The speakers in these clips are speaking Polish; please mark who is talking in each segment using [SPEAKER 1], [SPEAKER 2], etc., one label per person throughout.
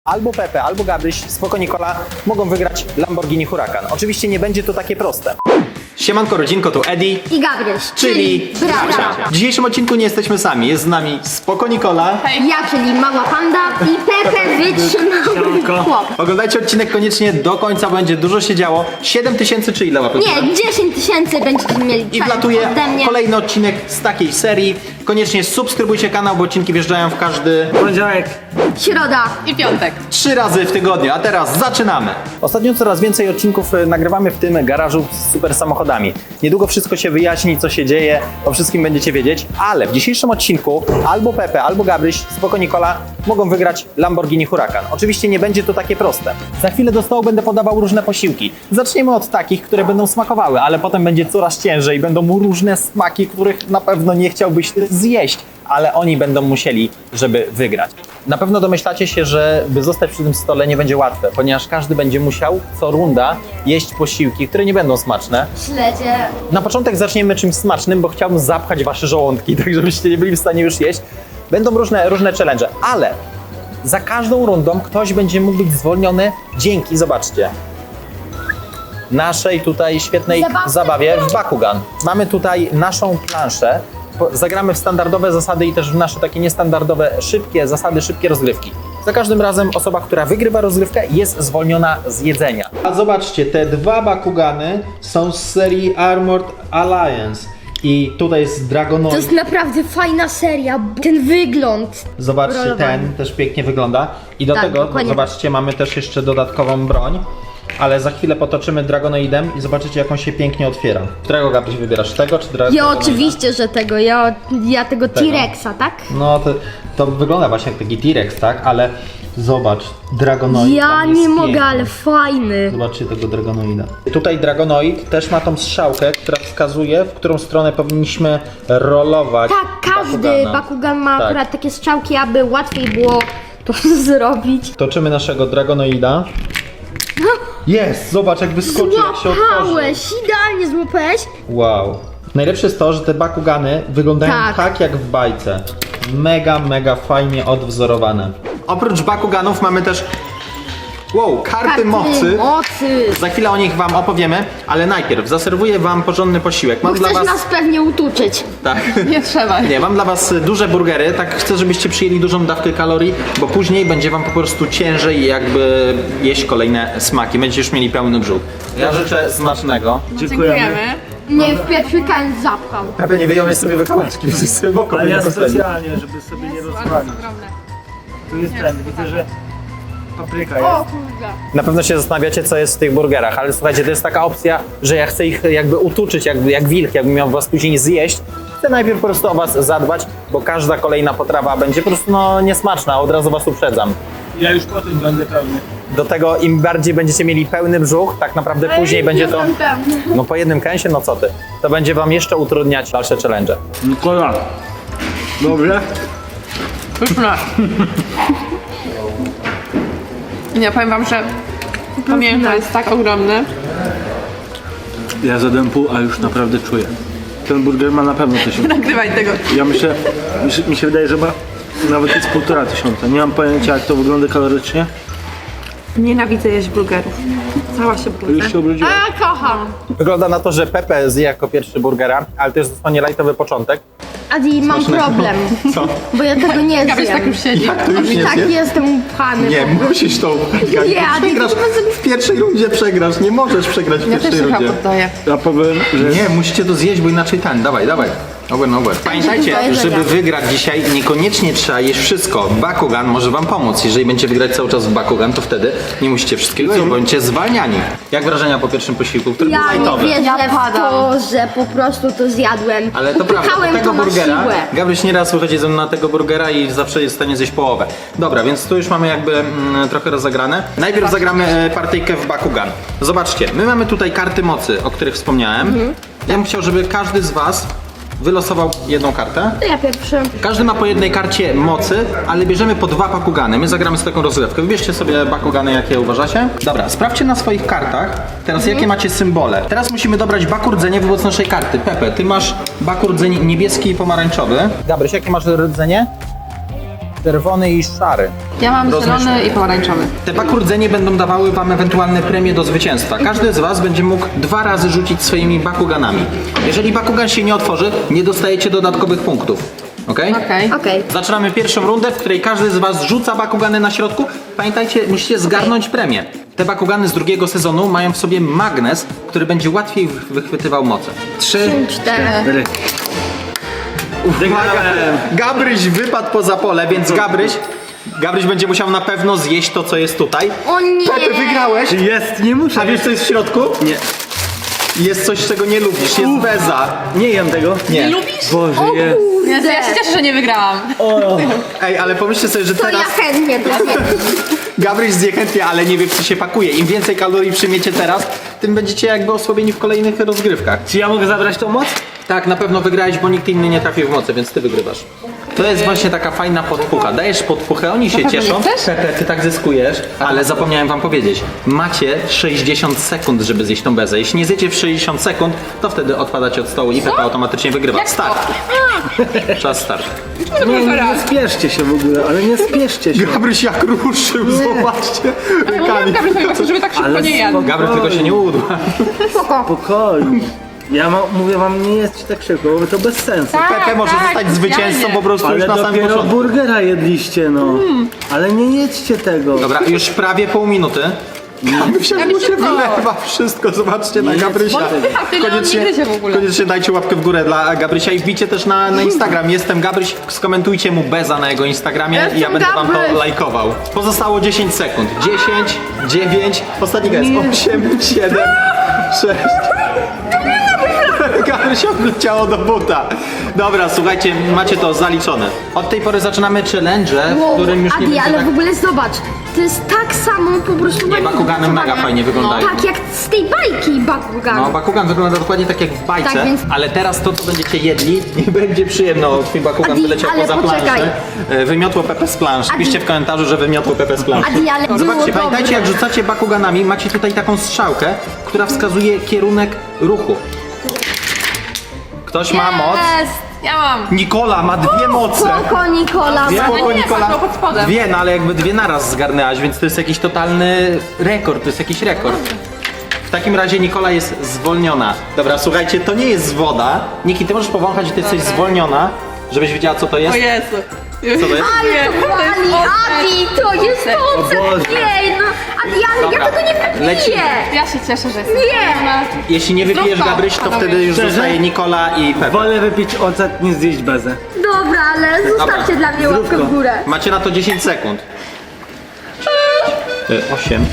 [SPEAKER 1] Albo Pepe, albo Gabryś, Spoko Nikola mogą wygrać Lamborghini Huracan. Oczywiście nie będzie to takie proste. Siemanko rodzinko, tu Edi
[SPEAKER 2] I Gabryś,
[SPEAKER 1] czyli bracia. W dzisiejszym odcinku nie jesteśmy sami, jest z nami Spoko Nikola.
[SPEAKER 2] Ja, czyli mała panda i Pepe wytrzymały chłop.
[SPEAKER 1] Oglądajcie odcinek koniecznie do końca, będzie dużo się działo. 7000 czy ile łapek?
[SPEAKER 2] Nie, 10 000 będziecie mieli
[SPEAKER 1] I wlatuje
[SPEAKER 2] ode mnie.
[SPEAKER 1] kolejny odcinek z takiej serii. Koniecznie subskrybujcie kanał, bo odcinki wjeżdżają w każdy
[SPEAKER 3] Poniedziałek.
[SPEAKER 2] Środa.
[SPEAKER 4] I piątek.
[SPEAKER 1] 3 razy w tygodniu, a teraz zaczynamy! Ostatnio coraz więcej odcinków nagrywamy w tym garażu z super samochodami. Niedługo wszystko się wyjaśni, co się dzieje, o wszystkim będziecie wiedzieć, ale w dzisiejszym odcinku albo Pepe, albo Gabryś, Spoko Nikola mogą wygrać Lamborghini Huracan. Oczywiście nie będzie to takie proste. Za chwilę do stołu będę podawał różne posiłki. Zaczniemy od takich, które będą smakowały, ale potem będzie coraz ciężej. Będą różne smaki, których na pewno nie chciałbyś zjeść, ale oni będą musieli, żeby wygrać. Na pewno domyślacie się, że by zostać przy tym stole nie będzie łatwe, ponieważ każdy będzie musiał co runda jeść posiłki, które nie będą smaczne.
[SPEAKER 2] Śledzie.
[SPEAKER 1] Na początek zaczniemy czymś smacznym, bo chciałbym zapchać wasze żołądki, tak żebyście nie byli w stanie już jeść. Będą różne challenge, ale za każdą rundą ktoś będzie mógł być zwolniony dzięki, zobaczcie, naszej tutaj świetnej zabawie w Bakugan. Mamy tutaj naszą planszę. Zagramy w standardowe zasady i też w nasze takie niestandardowe, szybkie zasady, szybkie rozgrywki. Za każdym razem osoba, która wygrywa rozgrywkę, jest zwolniona z jedzenia. A zobaczcie, te dwa Bakugany są z serii Armored Alliance. I tutaj jest
[SPEAKER 2] To
[SPEAKER 1] Dragonoid.
[SPEAKER 2] jest naprawdę fajna seria, ten wygląd.
[SPEAKER 1] Zobaczcie,
[SPEAKER 2] rolowany.
[SPEAKER 1] ten też pięknie wygląda. I do
[SPEAKER 2] Tak,
[SPEAKER 1] tego,
[SPEAKER 2] dokładnie.
[SPEAKER 1] zobaczcie, mamy też jeszcze dodatkową broń. Ale za chwilę potoczymy Dragonoidem i zobaczycie, jak on się pięknie otwiera. Którego, Gabryś, wybierasz? Tego czy Dragonoida?
[SPEAKER 2] Ja oczywiście, że tego, ja tego T-Rexa, tak?
[SPEAKER 1] No to wygląda właśnie jak taki T-Rex, tak? Ale zobacz, Dragonoid
[SPEAKER 2] Ja
[SPEAKER 1] tam jest
[SPEAKER 2] nie mogę,
[SPEAKER 1] piękny.
[SPEAKER 2] ale fajny.
[SPEAKER 1] Zobaczcie tego Dragonoida. Tutaj Dragonoid też ma tą strzałkę, która wskazuje, w którą stronę powinniśmy rolować.
[SPEAKER 2] Tak, każdy
[SPEAKER 1] Bakugana.
[SPEAKER 2] Bakugan ma
[SPEAKER 1] Tak.
[SPEAKER 2] akurat takie strzałki, aby łatwiej było to zrobić.
[SPEAKER 1] Toczymy naszego Dragonoida. Jest! Zobacz, jak wyskoczy, jak się otworzy.
[SPEAKER 2] Złapałeś, idealnie złapałeś.
[SPEAKER 1] Wow. Najlepsze jest to, że te Bakugany wyglądają tak jak w bajce. Mega fajnie odwzorowane. Oprócz Bakuganów mamy też karty mocy. Za chwilę o nich wam opowiemy, ale najpierw zaserwuję wam porządny posiłek. Mam
[SPEAKER 2] Bo
[SPEAKER 1] dla
[SPEAKER 2] chcesz
[SPEAKER 1] was...
[SPEAKER 2] nas pewnie utuczyć.
[SPEAKER 1] Tak.
[SPEAKER 4] Nie trzeba.
[SPEAKER 1] Nie, mam dla was duże burgery, tak chcę, żebyście przyjęli dużą dawkę kalorii, bo później będzie wam po prostu ciężej jakby jeść kolejne smaki. Będziecie już mieli pełny brzuch. Ja życzę smacznego.
[SPEAKER 4] Dziękujemy.
[SPEAKER 2] Nie, w pierwszy kan zapchał.
[SPEAKER 1] Pepe, nie wyjąłeś sobie wykałaczki, sobie wokół.
[SPEAKER 3] Ale ja specjalnie, żeby sobie nie rozwalić. Tu jest ten, widzę, że papryka jest.
[SPEAKER 2] kurde.
[SPEAKER 1] Na pewno się zastanawiacie, co jest w tych burgerach, ale słuchajcie, to jest taka opcja, że ja chcę ich jakby utuczyć, jak wilk, jakbym miał was później zjeść. Chcę najpierw po prostu o was zadbać, bo każda kolejna potrawa będzie po prostu niesmaczna, od razu was uprzedzam.
[SPEAKER 3] Ja już po tym będę pełny.
[SPEAKER 1] Do tego im bardziej będziecie mieli pełny brzuch, tak naprawdę później będzie to... No po jednym kęsie, no co ty? To będzie wam jeszcze utrudniać dalsze challenge.
[SPEAKER 3] Nikola. Dobrze?
[SPEAKER 4] Pyszne. Nie, powiem wam, że pamięta jest tak ogromny.
[SPEAKER 3] Ja zjadłem pół, a już naprawdę czuję. Ten burger ma na pewno 1000.
[SPEAKER 4] Nagrywaj tego.
[SPEAKER 3] Ja myślę, mi się wydaje, że ma nawet jest 1500. Nie mam pojęcia, jak to wygląda kalorycznie.
[SPEAKER 4] Nienawidzę jeść burgerów. Cała się brudzę.
[SPEAKER 3] Już się obrudziłem.
[SPEAKER 4] A, kocham.
[SPEAKER 1] Wygląda na to, że Pepe zje jako pierwszy burgera, ale to jest dosłownie lightowy początek.
[SPEAKER 2] Adi, mam problem,
[SPEAKER 1] Co?
[SPEAKER 2] bo ja tego nie
[SPEAKER 4] Gabryś tak
[SPEAKER 2] zjem.
[SPEAKER 4] już siedzi.
[SPEAKER 1] Jak to już nie
[SPEAKER 2] Tak,
[SPEAKER 1] zjesz?
[SPEAKER 2] jestem upchany.
[SPEAKER 1] Nie, musisz to
[SPEAKER 2] Nie, Adi,
[SPEAKER 1] przegrasz.
[SPEAKER 2] to chyba
[SPEAKER 1] W pierwszej rundzie przegrasz, nie możesz przegrać w
[SPEAKER 4] Ja też
[SPEAKER 1] pierwszej
[SPEAKER 4] się chyba
[SPEAKER 1] rundzie.
[SPEAKER 4] poddaję.
[SPEAKER 3] Ja powiem, że
[SPEAKER 1] Nie, musicie to zjeść, bo inaczej dawaj. Over. Pamiętajcie,
[SPEAKER 2] to jest
[SPEAKER 1] żeby
[SPEAKER 2] jedzenia.
[SPEAKER 1] wygrać dzisiaj, niekoniecznie trzeba jeść wszystko. Bakugan może wam pomóc. Jeżeli będziecie wygrać cały czas w Bakugan, to wtedy nie musicie wszystkiego jeść, bo będziecie zwalniani. Jak wrażenia po pierwszym posiłku, który był
[SPEAKER 2] Ja nie
[SPEAKER 1] lightowy?
[SPEAKER 2] wierzę
[SPEAKER 4] Ja
[SPEAKER 2] w
[SPEAKER 4] padam.
[SPEAKER 2] to, że po prostu to zjadłem.
[SPEAKER 1] Ale to prawda,
[SPEAKER 2] Wypchałem
[SPEAKER 1] do tego
[SPEAKER 2] to na
[SPEAKER 1] burgera,
[SPEAKER 2] siłę.
[SPEAKER 1] Gabryś nieraz wychodzi ze mną na tego burgera i zawsze jest w stanie zjeść połowę. Dobra, więc tu już mamy jakby trochę rozegrane. Najpierw zagramy partyjkę w Bakugan. Zobaczcie, my mamy tutaj karty mocy, o których wspomniałem. Ja bym chciał, żeby każdy z was wylosował jedną kartę.
[SPEAKER 2] To ja pierwszy.
[SPEAKER 1] Każdy ma po jednej karcie mocy, ale bierzemy po 2 Bakugany. My zagramy z taką rozgrywkę. Wybierzcie sobie Bakugany, jakie uważacie. Dobra, sprawdźcie na swoich kartach teraz, jakie macie symbole. Teraz musimy dobrać Baku rdzenie wobec naszej karty. Pepe, ty masz Baku rdzeń niebieski i pomarańczowy. Gabryś, jakie masz rdzenie? czerwony i szary.
[SPEAKER 4] Ja mam zielony i pomarańczowy.
[SPEAKER 1] Te bakurdzenie będą dawały wam ewentualne premie do zwycięstwa. Każdy z was będzie mógł 2 razy rzucić swoimi bakuganami. Jeżeli bakugan się nie otworzy, nie dostajecie dodatkowych punktów. Okej?
[SPEAKER 4] Okej.
[SPEAKER 2] Okej.
[SPEAKER 1] Zaczynamy pierwszą rundę, w której każdy z was rzuca bakugany na środku. Pamiętajcie, musicie zgarnąć premię. Te bakugany z drugiego sezonu mają w sobie magnes, który będzie łatwiej wychwytywał moce. 3,
[SPEAKER 2] 4.
[SPEAKER 1] Gabryś wypadł poza pole, więc Gabryś będzie musiał na pewno zjeść to, co jest tutaj.
[SPEAKER 2] O nie!
[SPEAKER 1] Pepe, wygrałeś!
[SPEAKER 3] Jest, nie muszę.
[SPEAKER 1] A wiesz, co jest w środku?
[SPEAKER 3] Nie.
[SPEAKER 1] Jest coś, czego nie lubisz, jest beza.
[SPEAKER 3] Nie jem tego.
[SPEAKER 1] Nie.
[SPEAKER 4] Lubisz?
[SPEAKER 3] Boże, jest.
[SPEAKER 4] Jezu, ja się cieszę, że nie wygrałam.
[SPEAKER 1] Ej, ale pomyślcie sobie, że
[SPEAKER 2] To
[SPEAKER 1] teraz
[SPEAKER 2] ja chętnie to zjem.
[SPEAKER 1] Gabryś zje chętnie, ale nie wie, czy się pakuje. Im więcej kalorii przyjmiecie teraz, tym będziecie jakby osłabieni w kolejnych rozgrywkach.
[SPEAKER 3] Czy ja mogę zabrać tą moc?
[SPEAKER 1] Tak, na pewno wygrałeś, bo nikt inny nie trafił w mocy, więc ty wygrywasz. To jest właśnie taka fajna podpucha. Dajesz podpuchę, oni się
[SPEAKER 4] pewno
[SPEAKER 1] cieszą.
[SPEAKER 4] nie chcesz?
[SPEAKER 1] Pepe, ty tak zyskujesz, ale zapomniałem wam powiedzieć. Macie 60 sekund, żeby zjeść tą bezę. Jeśli nie zjecie w 60 sekund, to wtedy odpadacie od stołu i Pepe automatycznie wygrywa.
[SPEAKER 4] Jak to?
[SPEAKER 1] Start. Czas start.
[SPEAKER 3] Nie, nie spieszcie się w ogóle, ale nie spieszcie się.
[SPEAKER 1] Gabryś jak ruszył, zobaczcie.
[SPEAKER 4] Ja mówiłam Gabryś, żeby tak szybko
[SPEAKER 3] Ale
[SPEAKER 4] nie jadł.
[SPEAKER 1] Gabryś tylko się nie udła.
[SPEAKER 2] Spoko.
[SPEAKER 3] Spokojnie. Ja mówię wam, nie jedzcie tak szybko, bo to bez sensu.
[SPEAKER 1] Pepe może zostać zwycięzcą
[SPEAKER 4] specjalnie.
[SPEAKER 1] po prostu
[SPEAKER 3] Ale
[SPEAKER 1] już na samym
[SPEAKER 3] dopiero
[SPEAKER 1] początku.
[SPEAKER 3] burgera jedliście, no. Ale nie jedźcie tego.
[SPEAKER 1] Dobra, już prawie pół minuty. Gabrysia mu się
[SPEAKER 4] szybko.
[SPEAKER 1] wylewa wszystko, zobaczcie na Gabrysia.
[SPEAKER 4] Wpycha tyle, on nie gryzie w ogóle.
[SPEAKER 1] Koniecznie dajcie łapkę w górę dla Gabrysia i wbijcie też na Instagram. Jestem Gabryś, skomentujcie mu beza na jego Instagramie i ja
[SPEAKER 2] Jestem
[SPEAKER 1] będę wam to
[SPEAKER 2] Gabryś.
[SPEAKER 1] lajkował. Pozostało 10 sekund. 10, 9, ostatni gest. 8, 7, 6. Gabryś odleciało do buta. Dobra, słuchajcie, macie to zaliczone. Od tej pory zaczynamy challenge, w którym już nie
[SPEAKER 2] Adi,
[SPEAKER 1] będzie
[SPEAKER 2] ale
[SPEAKER 1] tak...
[SPEAKER 2] w ogóle zobacz, to jest tak samo po prostu...
[SPEAKER 1] Nie, Bakugany mega fajnie wyglądają.
[SPEAKER 2] Tak, jak z tej bajki Bakugan.
[SPEAKER 1] No, Bakugan wygląda dokładnie tak jak w bajce,
[SPEAKER 2] Tak, więc-
[SPEAKER 1] ale teraz to, co będziecie jedli, nie będzie przyjemno. Twój Bakugan
[SPEAKER 2] Adi,
[SPEAKER 1] wyleciał
[SPEAKER 2] ale
[SPEAKER 1] poza
[SPEAKER 2] poczekaj.
[SPEAKER 1] planszę. Wymiotło Pepe z plansz.
[SPEAKER 2] Adi.
[SPEAKER 1] Piszcie w komentarzu, że wymiotło Pepe z planszy.
[SPEAKER 2] Adi, ale było
[SPEAKER 1] Zobaczcie, pamiętajcie,
[SPEAKER 2] dobre.
[SPEAKER 1] jak rzucacie Bakuganami, macie tutaj taką strzałkę, która wskazuje kierunek ruchu. Ktoś ma moc?
[SPEAKER 4] Jest! Ja mam.
[SPEAKER 1] Nikola ma 2 moce.
[SPEAKER 2] Spoko, Nikola.
[SPEAKER 1] Spoko,
[SPEAKER 4] nie,
[SPEAKER 1] Nikola.
[SPEAKER 4] patrz, pod spodem.
[SPEAKER 1] 2, no ale jakby 2 naraz zgarnęłaś, więc to jest jakiś totalny rekord, to jest jakiś rekord. W takim razie Nikola jest zwolniona. Dobra, słuchajcie, to nie jest woda. Niki, ty możesz powąchać i ty jesteś zwolniona, żebyś wiedziała, co to jest.
[SPEAKER 4] O Jezu.
[SPEAKER 1] Co to jest?
[SPEAKER 2] Ale to wali, Adi, to jest ocet.
[SPEAKER 3] Boże.
[SPEAKER 2] Nie, no, Adi, ale
[SPEAKER 1] Dobra,
[SPEAKER 2] ja tego nie
[SPEAKER 1] leci.
[SPEAKER 2] wypiję.
[SPEAKER 4] Ja się cieszę, że jestem
[SPEAKER 2] Nie.
[SPEAKER 4] zwolniona.
[SPEAKER 1] Jeśli nie wypijesz
[SPEAKER 4] Zdrówko,
[SPEAKER 1] Gabryś, to
[SPEAKER 4] panowie.
[SPEAKER 1] wtedy już
[SPEAKER 3] Szczerze?
[SPEAKER 1] zostaje Nikola i Pepe.
[SPEAKER 3] Wolę wypić ocet niż zjeść bezę.
[SPEAKER 2] Dobra, ale zostawcie dla mnie łapkę
[SPEAKER 3] Zdrówko.
[SPEAKER 2] w górę.
[SPEAKER 1] Macie na to 10 sekund. 8,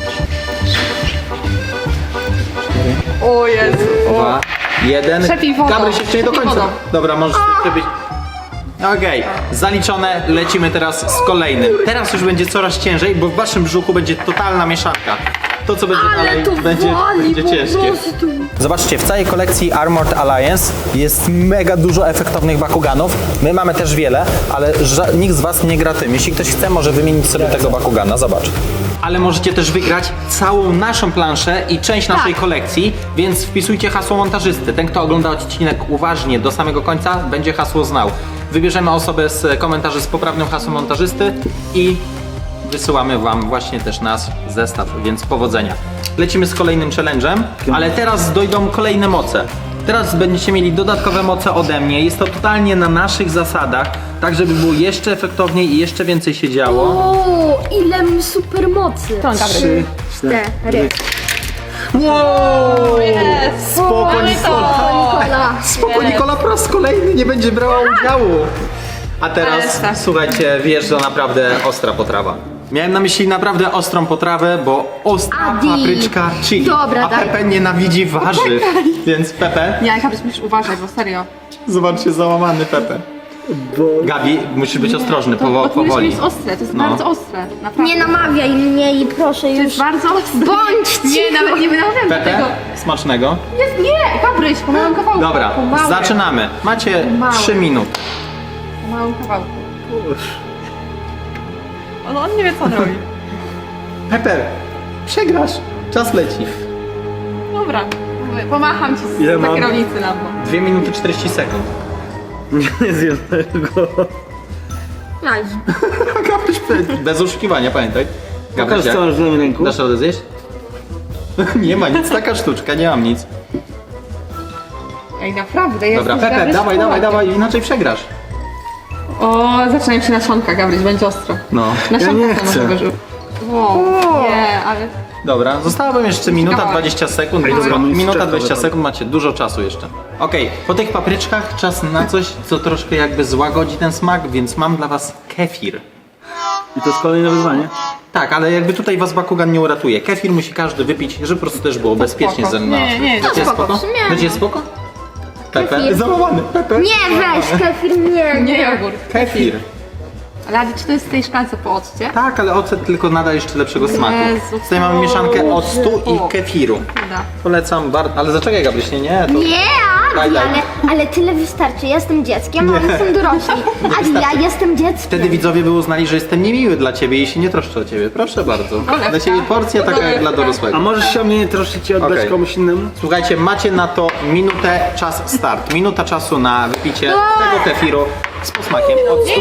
[SPEAKER 4] O Jezu.
[SPEAKER 1] 2, 1.
[SPEAKER 4] Przepij wodą.
[SPEAKER 1] Gabryś jeszcze nie do
[SPEAKER 4] Przepij
[SPEAKER 1] końca.
[SPEAKER 4] wodą.
[SPEAKER 1] Dobra, możesz przepić. Okej, zaliczone, lecimy teraz z kolejnym. Teraz już będzie coraz ciężej, bo w waszym brzuchu będzie totalna mieszanka. To, co będzie
[SPEAKER 2] Ale
[SPEAKER 1] dalej,
[SPEAKER 2] to
[SPEAKER 1] będzie
[SPEAKER 2] wali po
[SPEAKER 1] ciężkie.
[SPEAKER 2] prostu.
[SPEAKER 1] Zobaczcie, w całej kolekcji Armored Alliance jest mega dużo efektownych Bakuganów. My mamy też wiele, ale nikt z was nie gra tym. Jeśli ktoś chce, może wymienić sobie tego Bakugana, zobacz. Ale możecie też wygrać całą naszą planszę i część naszej kolekcji, więc wpisujcie hasło montażysty. Ten, kto ogląda odcinek uważnie do samego końca, będzie hasło znał. Wybierzemy osobę z komentarzy z poprawnym hasłem montażysty i wysyłamy wam właśnie też nasz zestaw, więc powodzenia. Lecimy z kolejnym challenge'em, ale teraz dojdą kolejne moce. Teraz będziecie mieli dodatkowe moce ode mnie. Jest to totalnie na naszych zasadach, tak żeby było jeszcze efektowniej i jeszcze więcej się działo.
[SPEAKER 2] O, ile super mocy.
[SPEAKER 4] To Gabryś.
[SPEAKER 3] 3,
[SPEAKER 2] 4.
[SPEAKER 1] Wow!
[SPEAKER 4] Jest.
[SPEAKER 1] Spoko,
[SPEAKER 4] Mamy
[SPEAKER 1] Nikola!
[SPEAKER 2] O, Nikola.
[SPEAKER 1] Spoko, Nikola po raz kolejny nie będzie brała udziału. A teraz,
[SPEAKER 4] Ale
[SPEAKER 1] słuchajcie, wjeżdża naprawdę ostra potrawa. Miałem na myśli naprawdę ostrą potrawę, bo ostra
[SPEAKER 2] Adi.
[SPEAKER 1] papryczka chili.
[SPEAKER 2] Dobra,
[SPEAKER 1] a
[SPEAKER 2] daj.
[SPEAKER 1] Pepe nienawidzi warzyw. Więc Pepe,
[SPEAKER 4] Nie, Gabryś, musisz uważać, bo serio.
[SPEAKER 1] zobaczcie, załamany Pepe.
[SPEAKER 3] bo
[SPEAKER 1] Gabi, musisz być ostrożny,
[SPEAKER 4] To
[SPEAKER 1] powoli.
[SPEAKER 4] jest ostre, to jest
[SPEAKER 1] No.
[SPEAKER 4] bardzo ostre. Naprawdę.
[SPEAKER 2] Nie namawiaj mnie i proszę
[SPEAKER 4] To
[SPEAKER 2] już.
[SPEAKER 4] jest bardzo ostre.
[SPEAKER 2] Bądź
[SPEAKER 4] Nie,
[SPEAKER 2] cicho.
[SPEAKER 4] nawet nie namawiam do
[SPEAKER 1] Pepe,
[SPEAKER 4] tego.
[SPEAKER 1] smacznego.
[SPEAKER 4] Jest, nie, Gabryś, po małym kawałku.
[SPEAKER 1] Dobra,
[SPEAKER 4] po małym.
[SPEAKER 1] zaczynamy. Macie
[SPEAKER 4] Małe.
[SPEAKER 1] 3 minuty.
[SPEAKER 4] Po małym kawałku. On nie wie, co on robi.
[SPEAKER 1] Pepe, przegrasz. Czas leci.
[SPEAKER 4] Dobra, pomacham ci
[SPEAKER 3] Ile
[SPEAKER 4] z
[SPEAKER 3] mam?
[SPEAKER 4] kierownicy na to.
[SPEAKER 1] 2 minuty 40 sekund.
[SPEAKER 3] nie zjem tego.
[SPEAKER 2] Nice.
[SPEAKER 1] Gabryś, bez oszukiwania, pamiętaj.
[SPEAKER 3] Pokaż
[SPEAKER 1] Gabryś,
[SPEAKER 3] co masz w lewym ręku.
[SPEAKER 1] dasz radę zjeść? Nie ma nic, taka sztuczka, nie mam nic.
[SPEAKER 4] Ej, naprawdę, jest
[SPEAKER 1] Dobra, Pepe, dawaj, inaczej przegrasz.
[SPEAKER 4] O, zaczynają się nasionka, Gabryś, będzie ostro.
[SPEAKER 1] No.
[SPEAKER 4] Nasionka
[SPEAKER 3] nie
[SPEAKER 4] to
[SPEAKER 3] chcę.
[SPEAKER 4] może wyżył. Wow, nie, ale...
[SPEAKER 1] Dobra, została wam jeszcze minuta
[SPEAKER 4] Dawaj.
[SPEAKER 1] 20 sekund.
[SPEAKER 3] dobra,
[SPEAKER 1] Minuta
[SPEAKER 3] czekaj,
[SPEAKER 1] 20
[SPEAKER 3] dobra.
[SPEAKER 1] sekund, macie dużo czasu jeszcze. Okej, po tych papryczkach czas na coś, co troszkę jakby złagodzi ten smak, więc mam dla was kefir.
[SPEAKER 3] I to jest kolejne wyzwanie.
[SPEAKER 1] Tak, ale jakby tutaj was Bakugan nie uratuje. Kefir musi każdy wypić, żeby po prostu też było bezpiecznie
[SPEAKER 4] spoko.
[SPEAKER 1] ze mną.
[SPEAKER 4] Nie,
[SPEAKER 1] Będzie
[SPEAKER 2] spoko,
[SPEAKER 1] spoko?
[SPEAKER 2] w sumie
[SPEAKER 1] Będzie
[SPEAKER 2] no.
[SPEAKER 1] spoko? Pepe?
[SPEAKER 2] Kefir.
[SPEAKER 1] Załamany, Pepe.
[SPEAKER 2] Nie, weź, kefir, nie.
[SPEAKER 4] Nie jogurt.
[SPEAKER 1] Kefir.
[SPEAKER 4] Ale Adi, czy to jest w tej szklance po occie?
[SPEAKER 1] Tak, ale ocet tylko nada jeszcze lepszego smaku.
[SPEAKER 4] Jezu,
[SPEAKER 1] Tutaj mamy mieszankę octu
[SPEAKER 4] o.
[SPEAKER 1] i kefiru.
[SPEAKER 4] Da.
[SPEAKER 1] Polecam bardzo, ale zaczekaj Gabryś, nie, to...
[SPEAKER 2] Nie, Adi,
[SPEAKER 1] Daj.
[SPEAKER 2] ale tyle wystarczy. Ja jestem dzieckiem, a oni są dorośli. Adi, ja jestem dzieckiem.
[SPEAKER 1] Wtedy widzowie by uznali, że jestem niemiły dla ciebie i się nie troszczę o ciebie. Proszę bardzo. Dla ciebie porcja taka jak dla
[SPEAKER 3] A
[SPEAKER 1] dorosłego.
[SPEAKER 3] możesz się o mnie nie troszczyć i oddać
[SPEAKER 1] Okej.
[SPEAKER 3] komuś innemu?
[SPEAKER 1] Słuchajcie, macie na to minutę, czas start. Minuta czasu na wypicie tego kefiru z posmakiem octu.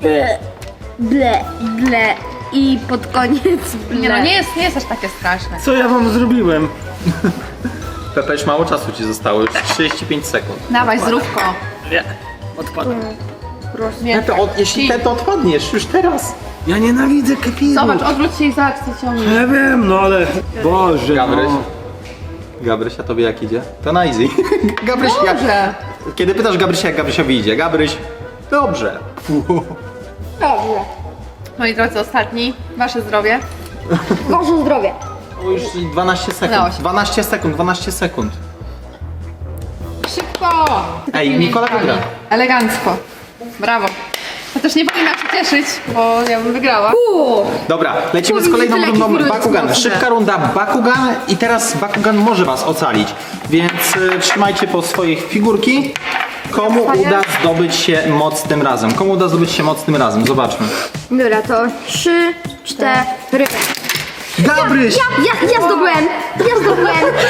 [SPEAKER 2] Ble, ble i pod koniec ble.
[SPEAKER 4] Nie no, nie jest aż takie straszne.
[SPEAKER 3] Co ja wam zrobiłem?
[SPEAKER 1] Pepe, już mało czasu ci zostało, już 35 sekund.
[SPEAKER 4] Dawaj, zróbko.
[SPEAKER 3] Nie. Odpadam.
[SPEAKER 4] Nie.
[SPEAKER 1] Pepe, jeśli Pepe odpadniesz, już teraz.
[SPEAKER 3] Ja nienawidzę kepiru.
[SPEAKER 4] Zobacz, odwróć się i zobacz, co ciągnie.
[SPEAKER 3] Ja wiem, no ale... Boże,
[SPEAKER 1] Gabryś.
[SPEAKER 3] no.
[SPEAKER 1] Gabryś, a tobie jak idzie? To na easy. Gabryś, jak...
[SPEAKER 4] Dobrze.
[SPEAKER 1] Kiedy pytasz Gabrysia, jak Gabrysiowi idzie? Gabryś, dobrze.
[SPEAKER 2] Dobrze.
[SPEAKER 4] Moi drodzy, ostatni. Wasze zdrowie.
[SPEAKER 2] Boże zdrowie.
[SPEAKER 1] O, już 12
[SPEAKER 4] Udało
[SPEAKER 1] sekund.
[SPEAKER 4] się.
[SPEAKER 1] 12 sekund.
[SPEAKER 4] Szybko!
[SPEAKER 1] Ej, Nikola wygra.
[SPEAKER 4] Elegancko. Brawo. Chociaż nie powinna się cieszyć, bo ja bym wygrała.
[SPEAKER 1] Dobra, lecimy z
[SPEAKER 2] Kurde,
[SPEAKER 1] kolejną
[SPEAKER 2] tyle
[SPEAKER 1] rundą
[SPEAKER 2] kefirów
[SPEAKER 1] Bakugan.
[SPEAKER 2] jest
[SPEAKER 1] Szybka runda Bakugan i teraz Bakugan może was ocalić. Więc trzymajcie po swoich figurki. Komu uda zdobyć się moc tym razem? Komu uda zdobyć się moc tym razem? Zobaczmy.
[SPEAKER 2] Dobra, to 3, 4.
[SPEAKER 1] Gabryś!
[SPEAKER 2] Ja zdobyłem! Ja zdobyłem!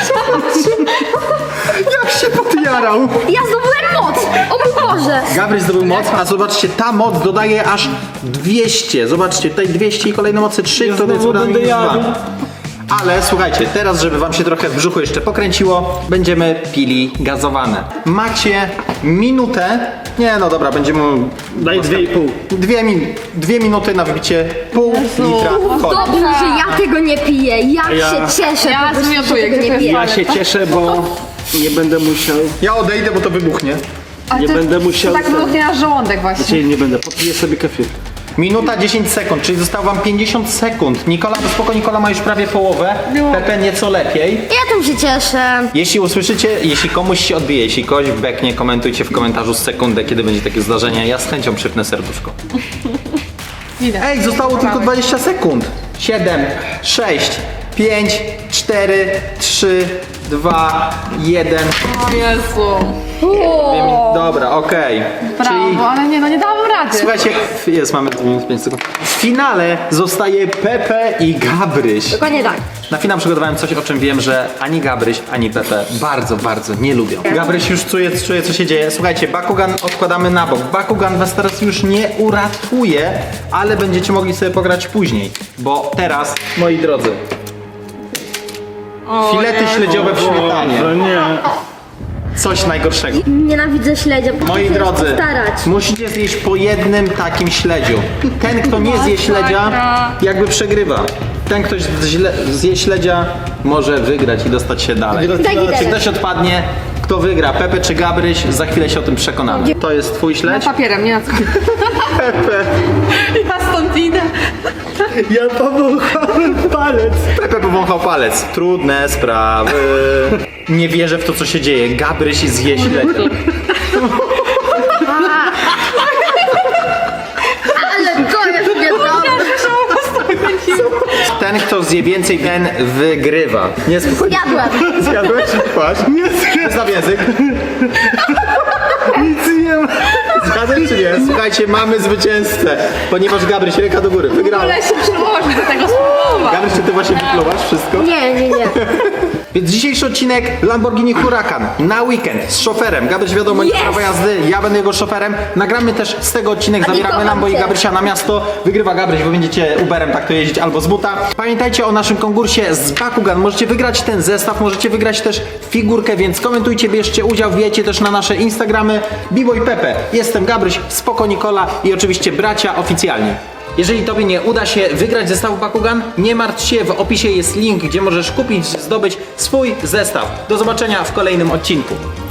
[SPEAKER 1] Jak się podjarał!
[SPEAKER 2] Ja zdobyłem moc! O mój Boże!
[SPEAKER 1] Gabryś zdobył moc, a zobaczcie, ta moc dodaje aż 200. Zobaczcie, tutaj 200 i kolejne mocy 3, to
[SPEAKER 3] znowu
[SPEAKER 1] jest
[SPEAKER 3] będę jadł.
[SPEAKER 1] Ale słuchajcie, teraz żeby wam się trochę w brzuchu jeszcze pokręciło, będziemy pili gazowane. Macie minutę. Nie no dobra, będziemy...
[SPEAKER 3] Daj 2,5.
[SPEAKER 1] Dwie minuty na wybicie pół litra coli.
[SPEAKER 2] Dobrze, że ja tego nie piję. Ja
[SPEAKER 3] Ja-
[SPEAKER 2] się cieszę,
[SPEAKER 4] Ja
[SPEAKER 2] po prostu, że
[SPEAKER 4] zmiotuję,
[SPEAKER 2] tego
[SPEAKER 4] gdzie
[SPEAKER 2] nie
[SPEAKER 4] to
[SPEAKER 2] piję.
[SPEAKER 3] Ja się cieszę, bo nie będę musiał...
[SPEAKER 1] Ja odejdę, bo to wybuchnie.
[SPEAKER 4] Ale
[SPEAKER 3] Nie
[SPEAKER 4] to
[SPEAKER 3] będę musiał
[SPEAKER 4] Tak
[SPEAKER 3] ten-
[SPEAKER 4] wybuchnie nasz żołądek właśnie.
[SPEAKER 3] Dzisiaj nie będę, popiję sobie kefir.
[SPEAKER 1] Minuta 10 sekund, czyli zostało wam 50 sekund. Nikola, to spoko, Nikola ma już prawie połowę. Pepe nieco lepiej.
[SPEAKER 2] Ja tym się cieszę.
[SPEAKER 1] Jeśli usłyszycie, jeśli komuś się odbije, jeśli kogoś beknie, komentujcie w komentarzu sekundę, kiedy będzie takie zdarzenie. Ja z chęcią przypnę serduszko.
[SPEAKER 4] Widać.
[SPEAKER 1] Ej, zostało tylko 20 sekund. 7, 6, 5, 4, 3, 2, 1.
[SPEAKER 4] O Jezu.
[SPEAKER 1] Dobra, okej.
[SPEAKER 4] Brawo, ale nie, no nie dałam rady.
[SPEAKER 1] Słuchajcie, jest, mamy 5 sekund. W finale zostaje Pepe i Gabryś.
[SPEAKER 2] Dokładnie tak.
[SPEAKER 1] Na finał przygotowałem coś, o czym wiem, że ani Gabryś, ani Pepe bardzo, bardzo nie lubią. Gabryś już czuje, co się dzieje. Słuchajcie, Bakugan odkładamy na bok. Bakugan was teraz już nie uratuje, ale będziecie mogli sobie pograć później. Bo teraz, moi drodzy,
[SPEAKER 4] O
[SPEAKER 1] filety
[SPEAKER 4] Jezu.
[SPEAKER 1] śledziowe w śmietanie.
[SPEAKER 3] Boże, nie.
[SPEAKER 1] Coś najgorszego.
[SPEAKER 2] Nienawidzę śledzia.
[SPEAKER 1] Moi
[SPEAKER 2] Muszę się
[SPEAKER 1] drodzy,
[SPEAKER 2] postarać.
[SPEAKER 1] musicie zjeść po jednym takim śledziu. Ten, kto nie zje śledzia, jakby przegrywa. Ten, ktoś zje śledzia, może wygrać i dostać się dalej.
[SPEAKER 2] Tak
[SPEAKER 1] Czy
[SPEAKER 2] widać.
[SPEAKER 1] ktoś odpadnie, kto wygra, Pepe czy Gabryś, za chwilę się o tym przekonamy. To jest twój
[SPEAKER 4] Na
[SPEAKER 1] śledź?
[SPEAKER 4] papierem, nie na co. Ja stąd idę.
[SPEAKER 3] Ja powąchałem palec.
[SPEAKER 1] Pepe powąchał palec. Trudne sprawy. Nie wierzę w to, co się dzieje. Gabryś zje śledzia.
[SPEAKER 2] Ale to jest niedobre.
[SPEAKER 1] Ten, kto zje więcej, ten wygrywa. Nie spokojnie.
[SPEAKER 2] Jadłem.
[SPEAKER 1] Zjadłeś? Patrz. Nie znam język.
[SPEAKER 3] Nic nie ma.
[SPEAKER 1] Zgadzasz czy nie? Słuchajcie, mamy zwycięzcę. Ponieważ Gabryś, ręka do góry, wygrał.
[SPEAKER 4] Ale się przyłożyć do tego spróbować.
[SPEAKER 1] Gabryś, czy ty właśnie wypluwasz wszystko?
[SPEAKER 2] Nie.
[SPEAKER 1] Więc dzisiejszy odcinek Lamborghini Huracan na weekend z szoferem. Gabryś wiadomo, nie ma prawa jazdy, ja będę jego szoferem. Nagramy też z tego odcinek, zabieramy
[SPEAKER 2] kocham
[SPEAKER 1] Lambo i
[SPEAKER 2] cię.
[SPEAKER 1] Gabrysia na miasto. Wygrywa Gabryś, bo będziecie Uberem tak to jeździć albo z buta. Pamiętajcie o naszym konkursie z Bakugan. Możecie wygrać ten zestaw, możecie wygrać też figurkę, więc komentujcie, bierzcie udział, wbijajcie też na nasze Instagramy Bibo i Pepe. Jestem Gabryś, Spoko Nikola i oczywiście bracia oficjalnie. Jeżeli Tobie nie uda się wygrać zestawu Bakugan, nie martw się, w opisie jest link, gdzie możesz kupić, zdobyć swój zestaw. Do zobaczenia w kolejnym odcinku.